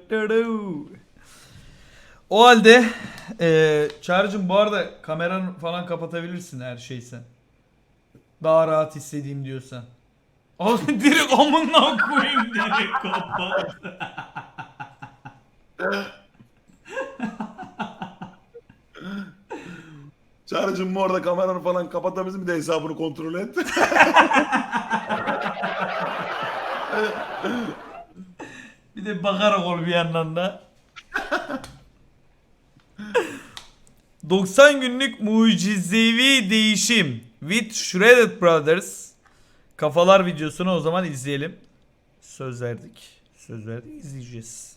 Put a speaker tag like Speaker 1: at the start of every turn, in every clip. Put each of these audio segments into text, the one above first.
Speaker 1: O halde Çağrı'cığım bu arada kameranı falan kapatabilirsin her şeysen. Daha rahat hissedeyim diyorsan. Abi direkt amına koyayım direkt kapat.
Speaker 2: Çağrı'cığım bu arada kameranı falan kapatabilirsin, bir de hesabını kontrol et.
Speaker 1: Bir de bakarak ol bir yandan da. 90 günlük mucizevi değişim with Shredded Brothers. Kafalar videosunu o zaman izleyelim. Söz verdik. Söz verdik, izleyeceğiz.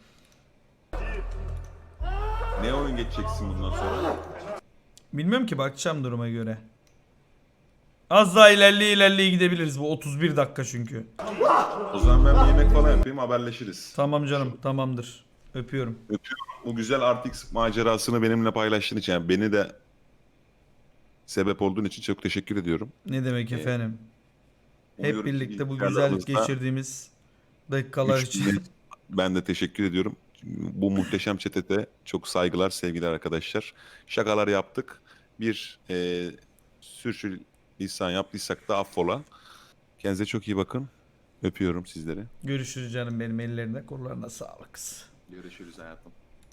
Speaker 2: Ne oyun geçeceksin bundan sonra?
Speaker 1: Bilmiyorum ki, bakacağım duruma göre. Az daha ilerleye gidebiliriz, bu 31 dakika çünkü.
Speaker 2: O zaman ben bir yemek falan yapayım, haberleşiriz.
Speaker 1: Tamam canım, tamamdır. Öpüyorum.
Speaker 2: Öpüyorum. Bu güzel RTX macerasını benimle paylaştığın için, yani beni de sebep olduğun için çok teşekkür ediyorum.
Speaker 1: Ne demek efendim. Hep
Speaker 2: Umuyorum ki
Speaker 1: birlikte bu
Speaker 2: bilgisayarlarımızda
Speaker 1: güzel geçirdiğimiz dakikalar için.
Speaker 2: Ben de teşekkür ediyorum. Bu muhteşem chat'e çok saygılar, sevgiler arkadaşlar. Şakalar yaptık. Bir sürçülisan yaptıysak da affola. Kendinize çok iyi bakın. Öpüyorum sizleri.
Speaker 1: Görüşürüz canım benim, ellerine kollarına sağlık.
Speaker 2: Görüşürüz hayatım.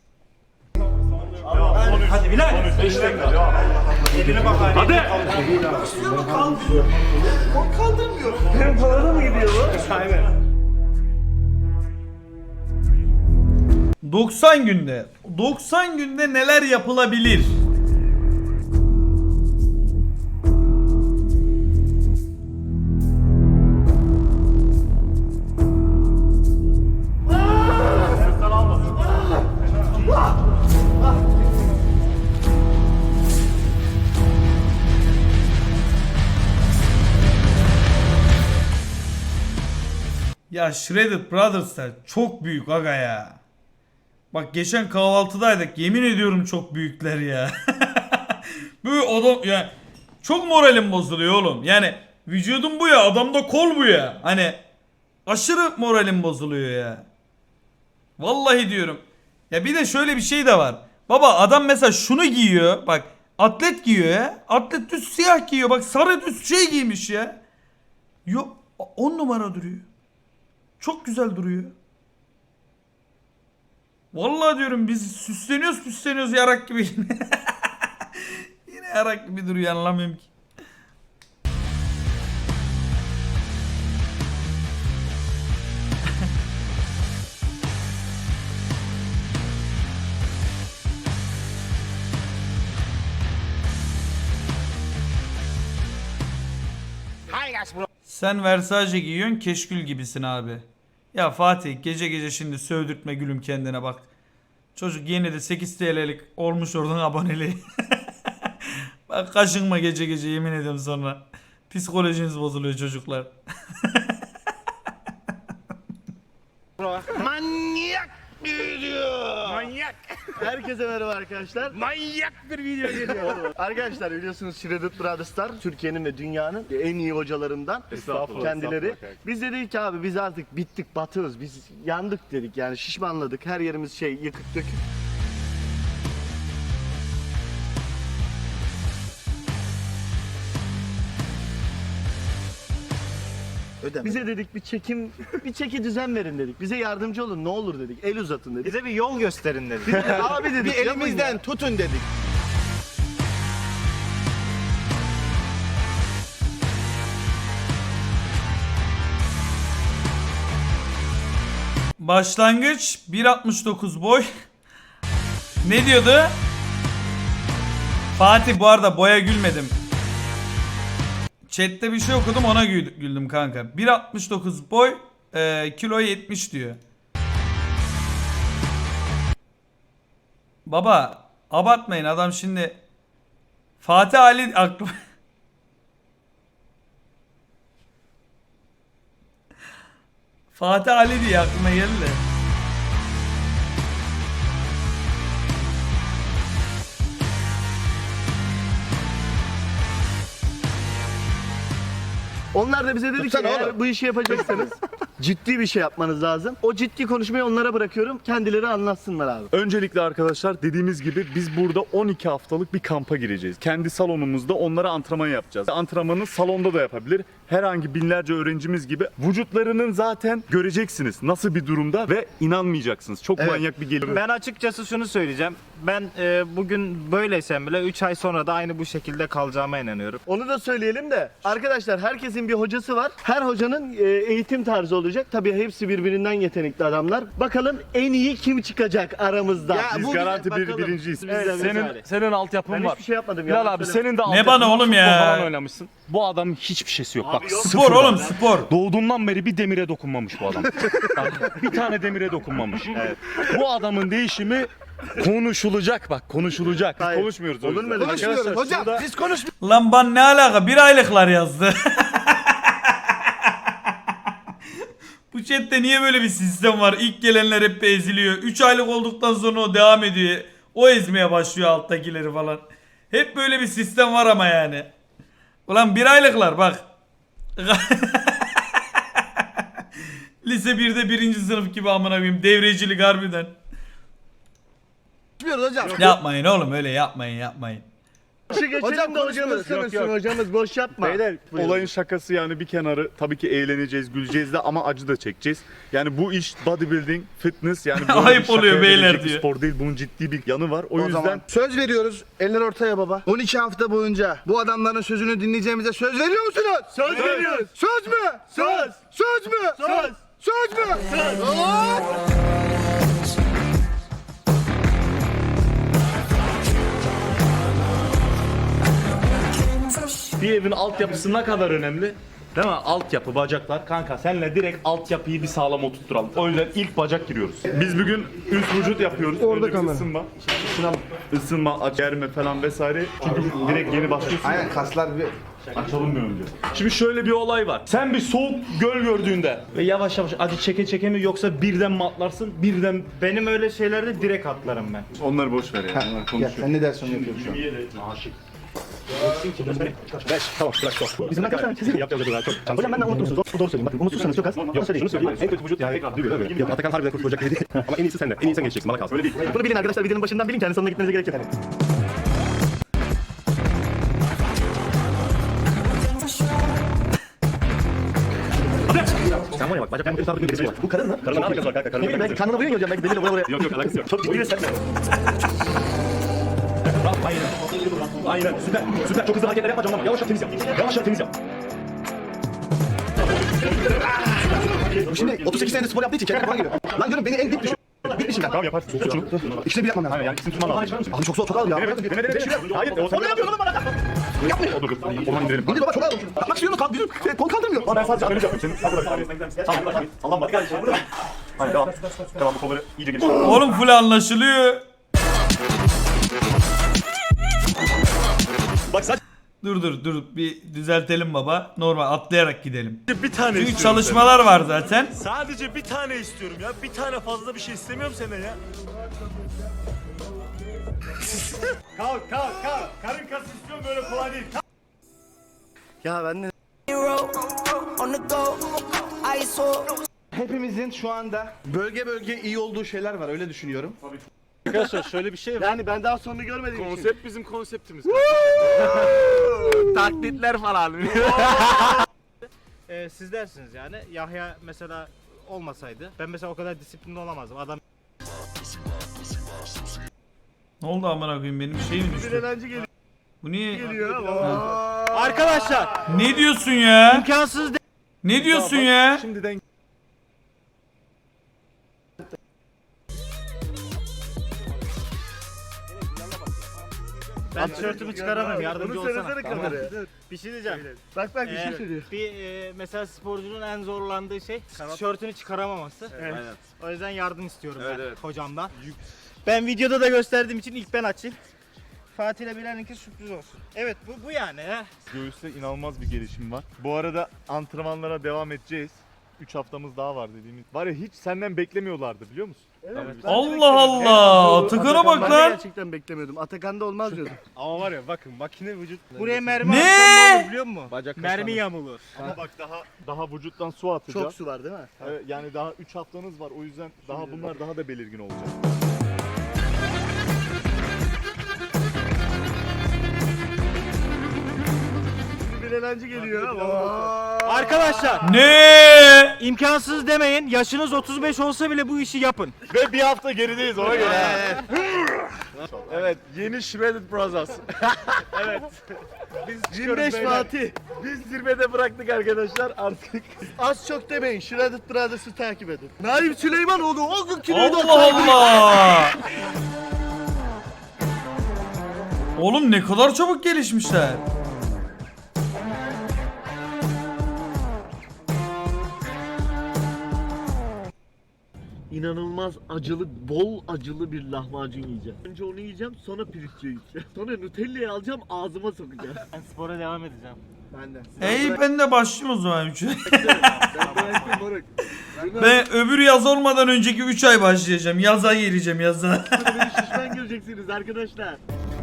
Speaker 3: Hadi Bilal. 5 dakika. Eline bak hadi. Hadi. Kaldırmıyor. Benim kolana mı gidiyor bu? Aynen.
Speaker 1: 90 günde. 90 günde neler yapılabilir? Ya Shredded Brothers'lar çok büyük aga ya. Bak geçen kahvaltıdaydık, yemin ediyorum çok büyükler ya. Bu adam ya, çok moralim bozuluyor oğlum. Yani vücudum bu ya, adamda kol bu ya. Hani aşırı moralim bozuluyor ya. Vallahi diyorum. Ya bir de şöyle bir şey de var. Baba adam mesela şunu giyiyor. Bak atlet giyiyor ya. Atlet düz siyah giyiyor. Bak sarı düz şey giymiş ya. Yok 10 numara duruyor. Çok güzel duruyor. Vallahi diyorum biz süsleniyoruz yarak gibi. Yine yarak gibi duruyor, anlamıyorum ki. Sen Versace giyiyorsun, keşkül gibisin abi. Ya Fatih gece gece şimdi sövdürtme gülüm kendine bak. Çocuk yeni de 8 TL'lik olmuş oradan aboneliği. Bak kaşınma gece gece, yemin ediyorum sonra. Psikolojiniz bozuluyor çocuklar.
Speaker 3: Manyak bir video. Manyak.
Speaker 4: Herkese merhaba arkadaşlar.
Speaker 3: Manyak bir video geliyor.
Speaker 4: Arkadaşlar biliyorsunuz Shredded Brothers'lar Türkiye'nin ve dünyanın en iyi hocalarından kendileri. Biz de dedik ki abi biz artık bittik, batığız, biz yandık dedik, yani şişmanladık, her yerimiz şey yıkık dökük. Bize dedik bir çeki düzen verin dedik. Bize yardımcı olun ne olur dedik. El uzatın dedik.
Speaker 3: Bize bir yol gösterin dedi.
Speaker 4: Abi dedik
Speaker 3: Bir elimizden tutun dedik.
Speaker 1: Başlangıç 1.69 boy. Ne diyordu? Fatih bu arada boya gülmedim. Chat'te bir şey okudum, ona güldüm kanka. 1.69 boy, kilo 70 diyor. Baba abartmayın, adam şimdi Fatih Ali aklı. Fatih Ali diye aklıma geldi de.
Speaker 4: Onlar da bize dedi ki eğer bu işi yapacaksanız ciddi bir şey yapmanız lazım. O ciddi konuşmayı onlara bırakıyorum. Kendileri anlatsınlar abi.
Speaker 5: Öncelikle arkadaşlar dediğimiz gibi biz burada 12 haftalık bir kampa gireceğiz. Kendi salonumuzda onlara antrenman yapacağız. Antrenmanı salonda da yapabilir. Herhangi binlerce öğrencimiz gibi vücutlarının zaten göreceksiniz nasıl bir durumda ve inanmayacaksınız. Çok manyak bir gelir.
Speaker 3: Ben açıkçası şunu söyleyeceğim. Ben bugün böyleysem bile 3 ay sonra da aynı bu şekilde kalacağıma inanıyorum.
Speaker 4: Onu da söyleyelim de arkadaşlar herkesin bir hocası var. Her hocanın eğitim tarzı olacak. Tabii hepsi birbirinden yetenekli adamlar. Bakalım en iyi kim çıkacak aramızda?
Speaker 5: Biz garanti birinciyiz.
Speaker 6: Senin altyapın
Speaker 4: Ben
Speaker 6: var.
Speaker 4: hiçbir şey yapmadım.
Speaker 6: Bilal
Speaker 4: yalan
Speaker 6: abi
Speaker 4: söyleme.
Speaker 6: senin de
Speaker 1: Ne bana oğlum ya?
Speaker 6: Futbol falan oynamışsın. Bu adamın hiçbir şeysi yok. Bak
Speaker 1: Spor oğlum spor.
Speaker 6: doğduğundan beri bir demire dokunmamış bu adam. Bak, bir tane demire dokunmamış. Bu adamın değişimi konuşulacak bak konuşulacak.
Speaker 4: Hayır.
Speaker 5: Konuşmuyoruz.
Speaker 4: Olur mu öyle bir şey?
Speaker 5: Hocam
Speaker 1: Lan ban ne alaka? Bir aylıklar yazdı. Bu chatte niye böyle bir sistem var? İlk gelenler hep eziliyor. 3 aylık olduktan sonra o devam ediyor. O ezmeye başlıyor alttakileri falan. Hep böyle bir sistem var ama yani. Ulan bir aylıklar bak. Lise 1'de 1. sınıf gibi amına koyayım. Devrecilik harbiden.
Speaker 7: hocam.
Speaker 1: Yapmayın oğlum öyle yapmayın.
Speaker 4: Hocam da hocamız konuşsun. Hocamız boş yapma.
Speaker 5: Beyler
Speaker 4: Buyurun.
Speaker 5: olayın şakası yani bir kenarı tabii ki eğleneceğiz, güleceğiz de ama acı da çekeceğiz. Yani bu iş bodybuilding, fitness yani böyle
Speaker 1: Ayıp
Speaker 5: bir şakaya
Speaker 1: oluyor beyler
Speaker 5: verilecek bir
Speaker 1: diyor.
Speaker 5: spor değil. Bunun ciddi bir yanı var. O yüzden
Speaker 7: Zaman söz veriyoruz. Eller ortaya baba. 12 hafta boyunca bu adamların sözünü dinleyeceğimize söz veriyor musunuz?
Speaker 4: Söz veriyoruz.
Speaker 7: Söz mü?
Speaker 4: Söz.
Speaker 7: Söz mü?
Speaker 4: Söz.
Speaker 7: Söz mü?
Speaker 6: Bir evin altyapısı ne kadar önemli? Değil mi? Altyapı, bacaklar. Kanka senle direkt altyapıyı bir sağlam oturtturalım. O yüzden ilk bacak giriyoruz.
Speaker 5: biz bugün üst vücut yapıyoruz.
Speaker 7: Orada
Speaker 5: Önce bir
Speaker 7: kamera.
Speaker 5: ısınma. Isınma, germe falan vesaire. Çünkü direkt yeni başlıyorsun.
Speaker 7: Aynen kaslar bir...
Speaker 5: Açalım bir önce.
Speaker 6: Şimdi şöyle bir olay var. Sen bir soğuk göl gördüğünde ve yavaş yavaş acı çeke mi yoksa birden mi atlarsın? Birden
Speaker 3: Benim öyle şeylerde direkt atlarım ben.
Speaker 5: Onları boş ver yani. Onlar
Speaker 7: Gel
Speaker 5: konuşuyor.
Speaker 7: sen ne dersin onu yapıyoruz şu an. Bizim arkadaşlar çizim yapacağız daha çok. Hocam benden unutmuşsunuz. Doğru söyleyeyim. Bakın unutmuşsanız çok az. Yok şunu söyleyeyim. En kötü vücut yani tekrar duyuyor öyle. Yok Atakan harbiden kurtulacak dedi. Ama en iyisi sende. En iyi sen geçeceksin. Bana kalsın. Öyle değil. Bunu bilin arkadaşlar. Videonun başından bilin. Kendi sonuna gitmenize gerek yok. Sen var ya bak bacaklarını sabit bir birisi var. Bu karın mı? Karın ne alakası var kanka? Karın ne bileyim belki karnına vuruyor hocam. Belki deliyle buraya. Yok yok alakası yok. Çok ciddi sen. Aynen süper süper çok hızlı hareketler yapma canım yavaş yap temiz yap yavaş yap temiz yap. Şimdi 38 senedir spor yaptığı için kendine falan geliyor. Lan diyorum beni en dip düşün. Bitmişim ben. Tamam yaparsın. Soğuk şunu. İkisini bir yapmam lazım. Yani ikisini tutman lazım. Abi çok soğuk çok ağır ya. Hayır. Onu yapıyorsun bana. Yapmıyor. Orman indirelim. İndir baba çok ağır. Kalkmak istiyorum kalk bizim kol kaldırmıyor.
Speaker 5: Ben sadece analiz yapayım senin. Allah'ım bak gel. Hayır devam. Tamam bu kolları iyice geliştir.
Speaker 1: Oğlum full anlaşılıyor.
Speaker 5: Bak sadece
Speaker 1: Dur bir düzeltelim baba. Normal atlayarak gidelim.
Speaker 8: Bir tane
Speaker 1: Çünkü
Speaker 8: istiyorum
Speaker 1: çalışmalar var zaten.
Speaker 8: senden. Sadece bir tane istiyorum ya. Bir tane fazla bir şey istemiyorum senden ya.
Speaker 5: kalk. Karın kası istiyorum böyle kolay değil.
Speaker 4: Ya ben de
Speaker 7: Hepimizin şu anda bölge bölge iyi olduğu şeyler var öyle düşünüyorum.
Speaker 8: Arkadaşlar şöyle bir şey var.
Speaker 4: yani ben daha sonunu görmediğim için.
Speaker 8: Konsept bizim konseptimiz.
Speaker 3: Taklitler falan. Siz dersiniz yani Yahya mesela olmasaydı ben mesela o kadar disiplinli olamazdım. Adam
Speaker 1: Ne oldu amına koyayım benim şeyim
Speaker 4: Bir
Speaker 1: düştü.
Speaker 4: eğlence geliyor.
Speaker 1: Bu niye?
Speaker 3: arkadaşlar
Speaker 1: Ne diyorsun ya?
Speaker 3: imkansız
Speaker 1: Ne diyorsun ya?
Speaker 5: Şimdiden
Speaker 3: ben tişörtümü çıkaramıyorum yardımcı
Speaker 4: Onu söylesene
Speaker 3: olsana.
Speaker 4: kameraya.
Speaker 3: Bir şey diyeceğim.
Speaker 4: Bak bir şey söylüyor.
Speaker 3: Mesela sporcunun en zorlandığı şey tişörtünü çıkaramaması. O yüzden yardım istiyorum ben hocamdan. Ben videoda da gösterdiğim için ilk ben açayım. Fatih ile Bilal'inki sürpriz olsun. Evet bu yani.
Speaker 5: göğüste inanılmaz bir gelişim var. Bu arada antrenmanlara devam edeceğiz. 3 haftamız daha var dediğimiz. Var ya hiç senden beklemiyorlardı biliyor musun?
Speaker 4: Evet, ben de
Speaker 1: Allah
Speaker 4: beklemiyordum.
Speaker 1: Allah.
Speaker 4: Bu
Speaker 1: Atakan'a bak
Speaker 4: ben de
Speaker 1: lan.
Speaker 4: gerçekten beklemiyordum. Atakan'da olmaz diyordum.
Speaker 8: Ama var ya bakın makine vücut.
Speaker 3: Buraya mermi
Speaker 1: Ne?
Speaker 3: atsan ne olur biliyor musun?
Speaker 8: Bacak
Speaker 3: Mermi yamulur.
Speaker 5: Ama bak daha vücuttan su atacağız.
Speaker 4: Çok su var değil mi?
Speaker 5: Evet, yani daha 3 haftanız var o yüzden bunlar daha da belirgin olacak.
Speaker 4: Bir eğlence geliyor ama.
Speaker 3: Arkadaşlar
Speaker 1: Ne?
Speaker 3: imkansız demeyin. Yaşınız 35 olsa bile bu işi yapın.
Speaker 5: Ve bir hafta gerideyiz ona göre. Evet, yeni Shredded Brothers. Evet. Biz
Speaker 4: 25 Fatih.
Speaker 5: Biz zirvede bıraktık arkadaşlar artık.
Speaker 4: Az çok demeyin. Shredded Brothers'ı takip edin. Naim Süleymanoğlu o gün kiloyu
Speaker 1: Allah Allah. Oğlum ne kadar çabuk gelişmişler.
Speaker 4: İnanılmaz acılı, bol acılı bir lahmacun yiyeceğim. Önce onu yiyeceğim, sonra pirinççi yiyeceğim. Sonra Nutella'yı alacağım, ağzıma sokacağım.
Speaker 3: Ben spora devam edeceğim.
Speaker 4: Ben de.
Speaker 1: Ben de başlayayım o zaman 3
Speaker 4: Ben bıraktım moruk.
Speaker 1: Ben öbür yaz olmadan önceki 3 ay başlayacağım. Yaza gireceğim yaza.
Speaker 4: Sonra beni şişman göreceksiniz arkadaşlar.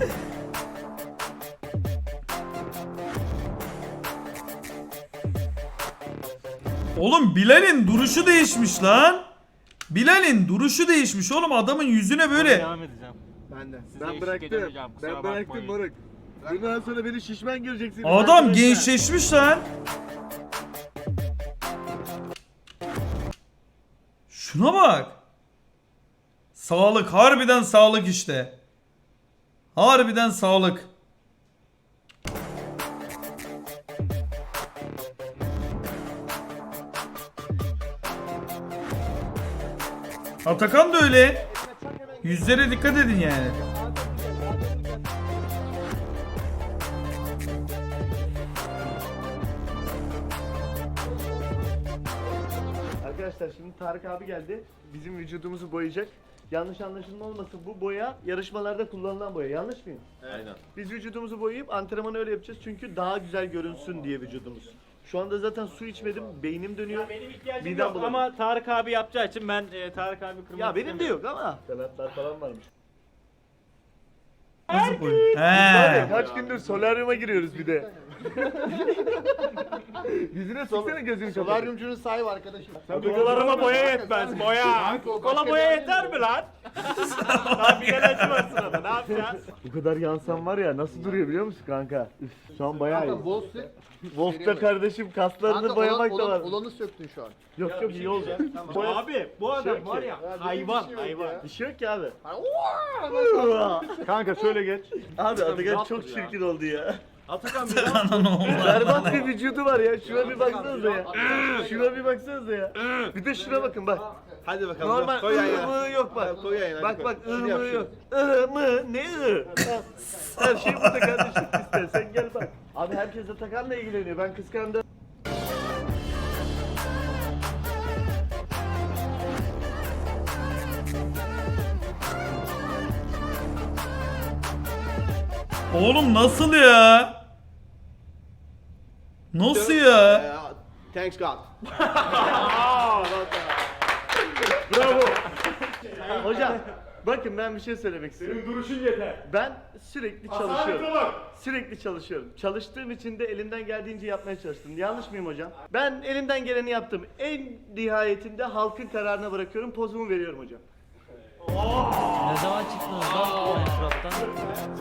Speaker 1: Oğlum Bilal'in duruşu değişmiş lan. Bilal'in duruşu değişmiş oğlum, adamın yüzüne böyle.
Speaker 3: Devam edeceğim.
Speaker 4: Ben de.
Speaker 3: Size
Speaker 4: Ben
Speaker 3: eşlik
Speaker 4: bıraktım.
Speaker 3: edemeyeceğim, kusura
Speaker 4: Ben bıraktım
Speaker 3: bakmayın.
Speaker 4: moruk. Bundan sonra beni şişman göreceksiniz.
Speaker 1: Adam
Speaker 4: arkadaşlar.
Speaker 1: gençleşmiş lan. Şuna bak. Sağlık, harbiden sağlık işte. Harbiden sağlık. Atakan da öyle. Yüzlere dikkat edin yani.
Speaker 4: Arkadaşlar şimdi Tarık abi geldi. Bizim vücudumuzu boyayacak. Yanlış anlaşılma olmasın, bu boya yarışmalarda kullanılan boya. Yanlış mıyım?
Speaker 6: Aynen.
Speaker 4: Biz vücudumuzu boyayıp antrenmanı öyle yapacağız çünkü daha güzel görünsün diye vücudumuz. Şu anda zaten su içmedim, beynim dönüyor.
Speaker 3: Benim ihtiyacım
Speaker 4: Midem
Speaker 3: yok
Speaker 4: bulanıyor.
Speaker 3: ama Tarık abi yapacağı için ben Tarık abi kırmak
Speaker 4: Ya benim de
Speaker 3: istemiyorum.
Speaker 4: yok ama. Salatlar falan varmış.
Speaker 1: Nasıl boy?
Speaker 4: Var ya,
Speaker 1: He.
Speaker 4: kaç gündür solaryuma giriyoruz bir de. Yüzüne sıksana gözünü kapat.
Speaker 7: Solaryumcunun sahibi arkadaşım.
Speaker 3: Kolarıma boya yetmez boya. Kola boya yeter mi lan? Daha bir eğlence var sırada, ne yapacağız?
Speaker 4: Bu kadar yansam var ya, nasıl duruyor biliyor musun kanka? Üf, şu an bayağı iyi.
Speaker 7: Wolf'si.
Speaker 4: Wolf'ta kardeşim kaslarını boyamak da var.
Speaker 7: Olanı söktün şu an.
Speaker 4: Yok yok iyi olacak.
Speaker 3: Abi bu adam
Speaker 4: Şey
Speaker 3: var
Speaker 4: ki.
Speaker 3: ya hayvan hayvan.
Speaker 4: Bir şey yok ki abi.
Speaker 5: Kanka şöyle geç.
Speaker 4: Abi Atakan çok çirkin oldu ya.
Speaker 3: Atakan bir
Speaker 4: Berbat bir vücudu var ya. Şuna bir baksanıza ya. Şuna bir baksanıza ya. Bir de şuna bakın bak.
Speaker 8: Hadi bakalım.
Speaker 4: Normal
Speaker 8: koy yan yana.
Speaker 4: ığmığı yok bak.
Speaker 8: Koy yan yana,
Speaker 4: Bak
Speaker 8: koy.
Speaker 4: bak
Speaker 8: Şunu yap,
Speaker 4: ığmığı
Speaker 8: şunu.
Speaker 4: yok. Mı? Ne ı? Her şey burada kardeşim. İstersen gel bak. Abi herkes Atakan'la ilgileniyor. Ben kıskandım.
Speaker 1: Oğlum nasıl ya? Nasıl ya?
Speaker 7: Thanks God.
Speaker 4: Bravo. Hocam bakın ben bir şey söylemek istiyorum. Senin duruşun yeter. Ben sürekli çalışıyorum. Sürekli çalışıyorum. Çalıştığım için de elimden geldiğince yapmaya çalıştım. Yanlış mıyım hocam? Ben elimden geleni yaptım. En nihayetinde halkın kararına bırakıyorum. Pozumu veriyorum hocam.
Speaker 9: Ne zaman çıktınız lan Minecraft'tan?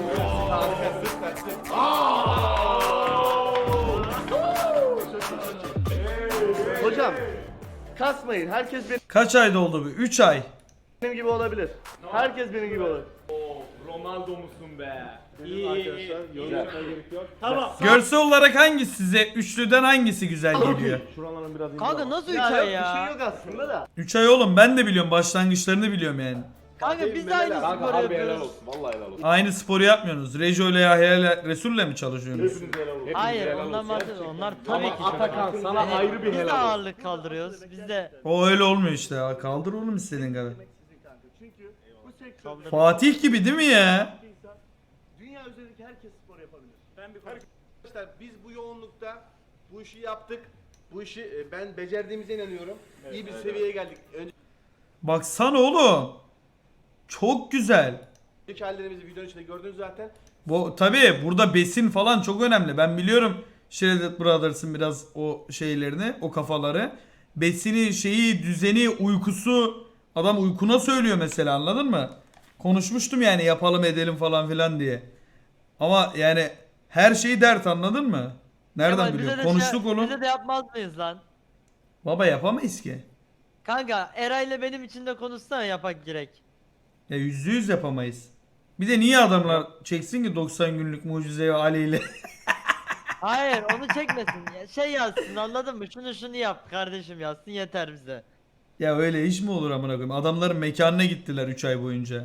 Speaker 4: Hocam kasmayın. Herkes
Speaker 1: Kaç ayda oldu bu? 3 ay.
Speaker 4: benim gibi olabilir. Herkes benim gibi olabilir.
Speaker 3: Ronaldo musun be? İyi. Tamam.
Speaker 1: Görsel olarak hangisi size, üçlüden hangisi güzel geliyor?
Speaker 9: Kanka nasıl 3
Speaker 4: Ya yok
Speaker 9: ay
Speaker 4: bir şey
Speaker 9: ya?
Speaker 4: yok aslında da.
Speaker 1: 3 ay oğlum, ben de biliyorum, başlangıçlarını biliyorum yani.
Speaker 9: Kanka biz de aynı sporu yapıyoruz.
Speaker 6: Vallahi helal olsun.
Speaker 1: Aynı sporu yapmıyorsunuz. Rejo ile Yahya ile Resul'le mi çalışıyorsunuz?
Speaker 9: Hayır ondan bahsediyorum. Onlar tabii ki çok.
Speaker 6: Atakan sana
Speaker 9: Yani
Speaker 6: ayrı bir
Speaker 9: biz de
Speaker 6: helal olsun.
Speaker 9: ağırlık kaldırıyoruz. Biz de
Speaker 1: O öyle olmuyor işte ya. Kaldır oğlum istediğin kadar.
Speaker 4: Çünkü bu sektörde
Speaker 1: Fatih gibi değil mi ya?
Speaker 4: dünya üzerindeki herkes spor yapabilir.
Speaker 7: Arkadaşlar biz bu yoğunlukta bu işi yaptık. Bu işi ben becerdiğimize inanıyorum. İyi bir seviyeye geldik.
Speaker 1: Baksana oğlum. Çok güzel.
Speaker 7: Önceki hallerimizi videonun içinde gördünüz zaten.
Speaker 1: Bu tabii burada besin falan çok önemli. Ben biliyorum Shredded Brothers'ın biraz o şeylerini, o kafaları. Besini, şeyi, düzeni, uykusu. Adam uykuna söylüyor mesela, anladın mı? Konuşmuştum yani yapalım edelim falan filan diye. Ama yani her şeyi dert, anladın mı? Nereden
Speaker 9: Kemal,
Speaker 1: biliyor?
Speaker 9: bize de
Speaker 1: Konuştuk oğlum.
Speaker 9: Bize de yapmaz mıyız lan?
Speaker 1: Baba yapamayız ki.
Speaker 9: Kanka Eray'la benim için de konuşsana yapak direkt.
Speaker 1: Ya %100 yapamayız. Bir de niye adamlar çeksin ki 90 günlük mucizeyi Ali ile?
Speaker 9: Hayır onu çekmesin. Şey yazsın, anladın mı? Şunu yap kardeşim yazsın, yeter bize.
Speaker 1: Ya öyle iş mi olur amına koyayım? Adamların mekanına gittiler 3 ay boyunca.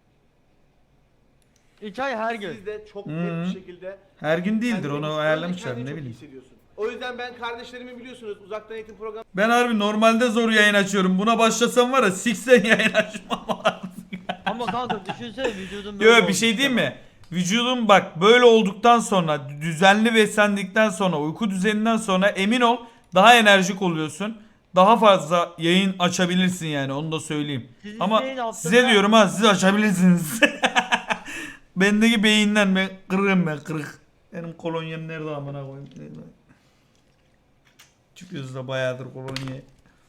Speaker 9: 3 ay her gün.
Speaker 7: Siz de çok net bir şekilde
Speaker 1: Her gün değildir,
Speaker 7: kendini-
Speaker 1: onu ayarlamışlar
Speaker 7: kendini
Speaker 1: ne
Speaker 7: çok iyi
Speaker 1: bileyim.
Speaker 7: hissediyorsun. O yüzden ben kardeşlerimi biliyorsunuz uzaktan eğitim programı
Speaker 1: Ben harbi normalde zor yayın açıyorum. Buna başlasam var ya siksen yayın açmam lazım.
Speaker 9: Ama kanka düşünsene vücudun böyle
Speaker 1: Yo bir
Speaker 9: olmuş
Speaker 1: şey diyeyim
Speaker 9: Kemal.
Speaker 1: mi? Vücudun bak böyle olduktan sonra, düzenli beslendikten sonra, uyku düzeninden sonra emin ol daha enerjik oluyorsun. Daha fazla yayın açabilirsin yani, onu da söyleyeyim.
Speaker 9: Siz
Speaker 1: Ama
Speaker 9: izleyin haftada-
Speaker 1: size diyorum ha, siz açabilirsiniz. Bendeki beyinden ben kırığım, ben kırık. Benim kolonyam nerede amına koyayım? Çıkıyoruz da bayağıdır kolonyaya.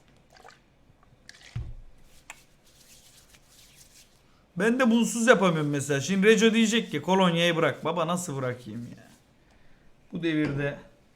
Speaker 1: Ben de bunsuz yapamıyorum mesela. Şimdi Reco diyecek ki kolonyayı bırak. Baba nasıl bırakayım ya? Bu devirde.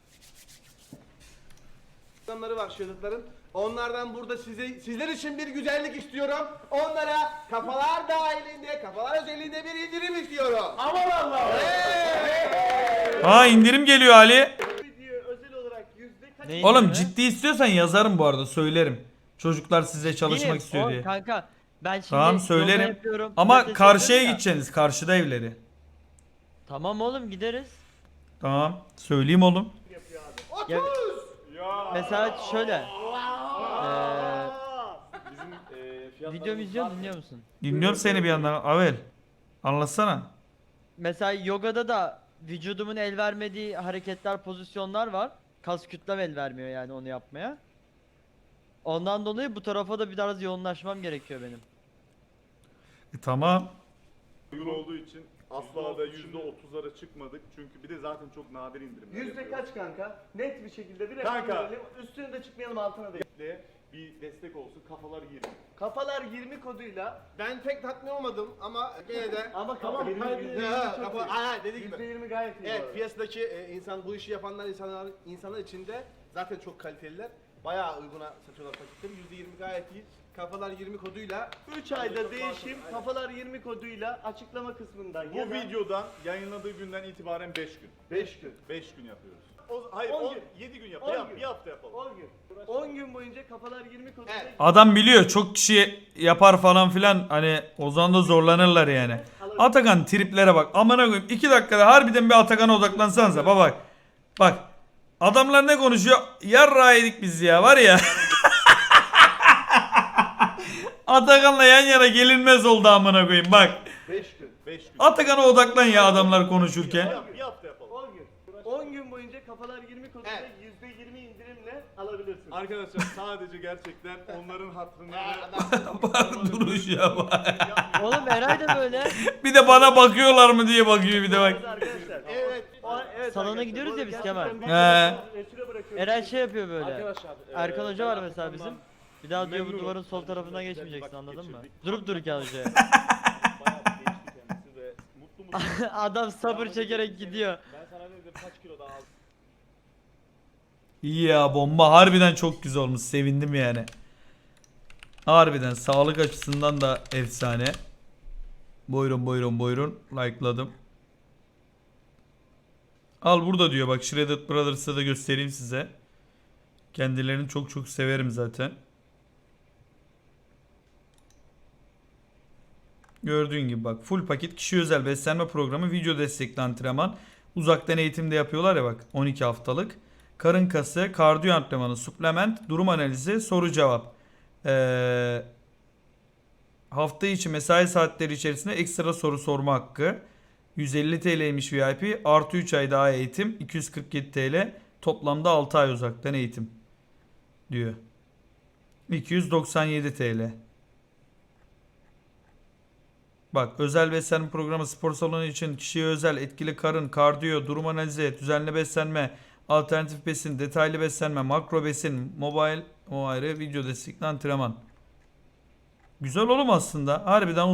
Speaker 7: programları var Shredded'ların. Onlardan burada sizler için bir güzellik istiyorum. Onlara kafalar dahilinde, kafalar özelliğinde bir indirim istiyorum. Aman Allah!
Speaker 1: Aa indirim geliyor Ali.
Speaker 4: Video özel olarak %kaç?
Speaker 9: Neyin
Speaker 1: Oğlum
Speaker 9: öyle?
Speaker 1: ciddi istiyorsan yazarım bu arada, söylerim. Çocuklar size çalışmak
Speaker 9: Değilim.
Speaker 1: istiyor
Speaker 9: Oğlum
Speaker 1: diye.
Speaker 9: Kanka ben şimdi
Speaker 1: Tamam
Speaker 9: yoga
Speaker 1: söylerim.
Speaker 9: yapıyorum,
Speaker 1: Ama
Speaker 9: pilates
Speaker 1: karşıya
Speaker 9: yapıyorum ya.
Speaker 1: gideceksiniz. Karşıda evleri.
Speaker 9: Tamam oğlum gideriz.
Speaker 1: Tamam. Söyleyeyim oğlum.
Speaker 9: Ya, mesela şöyle. Video izliyor dinliyor musun?
Speaker 1: Dinliyorum seni bir yandan. Avel. Anlatsana.
Speaker 9: Mesela yogada da vücudumun el vermediği hareketler, pozisyonlar var. Kas kütlem el vermiyor yani onu yapmaya. Ondan dolayı bu tarafa da biraz yoğunlaşmam gerekiyor benim.
Speaker 1: Tamam.
Speaker 5: Uygun olduğu için asla da %30'lara çıkmadık. Çünkü bir de zaten çok nadir indirimler
Speaker 4: Yüzde
Speaker 5: yapıyoruz.
Speaker 4: kaç kanka? Net bir şekilde bir rakam
Speaker 5: Kanka.
Speaker 4: verelim. Üstüne de çıkmayalım, altına da.
Speaker 5: Bir destek olsun, kafalar 20.
Speaker 4: Kafalar 20 koduyla
Speaker 7: Ben pek tatmin olmadım ama gene de...
Speaker 4: ama tamam
Speaker 5: benim
Speaker 4: hayır,
Speaker 5: yüzde
Speaker 7: dediği gibi.
Speaker 4: %20 gayet iyi. bu
Speaker 7: Evet
Speaker 4: arada.
Speaker 7: piyasadaki insan bu işi yapanlar insanlar içinde zaten çok kaliteliler. Bayağı uyguna satıyorlar paketleri. %20 gayet iyi. Kafalar 20 koduyla
Speaker 4: 3 ayda değişim, kafalar 20 koduyla açıklama kısmından
Speaker 5: Bu
Speaker 4: ya da
Speaker 5: videodan yayınladığı günden itibaren 5 gün.
Speaker 4: 5 gün.
Speaker 5: 5 gün yapıyoruz. Hayır
Speaker 4: 10 gün.
Speaker 5: 7 gün
Speaker 4: 10
Speaker 5: yapalım.
Speaker 4: gün.
Speaker 5: Bir hafta yapalım.
Speaker 4: 10 gün. 10 gün boyunca kafalar 20 koduyla
Speaker 7: Evet.
Speaker 1: Adam biliyor çok kişi yapar falan filan, hani o zaman da zorlanırlar yani. Atakan triplere bak. Amına koyayım 2 dakikada harbiden bir Atakan'a odaklansanıza bak. Bak. Adamlar ne konuşuyor? Yarra yedik biz ya var ya. Atakan'la yan yana gelinmez oldu amına koyayım bak.
Speaker 4: 5 gün.
Speaker 5: 5 gün.
Speaker 1: Atakan'a odaklan ya adamlar konuşurken.
Speaker 5: Bir hafta yapalım.
Speaker 4: 10 gün. 10 gün boyunca kafalar 20 koduyla
Speaker 7: Evet.
Speaker 4: %20 indirimle alabilirsin.
Speaker 5: Arkadaşlar sadece gerçekten onların hatırına
Speaker 1: Bak duruşa bak.
Speaker 9: Oğlum Eray da böyle.
Speaker 1: Bir de bana bakıyorlar mı diye bakıyor bir de bak.
Speaker 4: Arkadaşlar.
Speaker 7: evet.
Speaker 4: Evet
Speaker 9: Salona
Speaker 4: arkadaşlar,
Speaker 9: gidiyoruz
Speaker 4: bu
Speaker 9: ya biz
Speaker 4: gerçekten
Speaker 9: Kemal.
Speaker 4: bir
Speaker 1: He.
Speaker 4: resüre bırakıyorum.
Speaker 9: Eray şey yapıyor böyle.
Speaker 7: Arkadaşlar
Speaker 9: Erkan Hoca var mesela bizim.
Speaker 5: Ondan
Speaker 9: Bir daha diyor bu
Speaker 5: memnunum.
Speaker 9: duvarın sol tarafına
Speaker 5: Güzel bir
Speaker 9: geçmeyeceksin,
Speaker 5: vakit
Speaker 9: anladın mı?
Speaker 5: geçirdik.
Speaker 9: Durup dururken hocaya.
Speaker 5: bayağı geçti kendisi ve mutlu
Speaker 9: Adam sabır çekerek gidiyor.
Speaker 5: Ben sana dedim kaç kilo daha aldım.
Speaker 1: İyi ya, bomba harbiden çok güzel olmuş, sevindim yani. Harbiden sağlık açısından da efsane. Buyurun like'ladım. Al burada diyor bak, Shredded Brothers'ı da göstereyim size. Kendilerini çok çok severim zaten. Gördüğün gibi bak, full paket kişi özel beslenme programı, video destekli antrenman. Uzaktan eğitimde yapıyorlar ya bak, 12 haftalık. Karın kası, kardiyo antrenmanı, suplement, durum analizi, soru cevap. Hafta içi mesai saatleri içerisinde ekstra soru sorma hakkı. 150 TL'ymiş VIP. Artı 3 ay daha eğitim. 247 TL. Toplamda 6 ay uzaktan eğitim. diyor. 297 TL. Bak, özel beslenme programı, spor salonu için kişiye özel, etkili karın, kardiyo, durum analizi, düzenli beslenme, alternatif besin, detaylı beslenme, makro besin, mobile, o ayrı, video destekli antrenman. Güzel oğlum aslında. Harbiden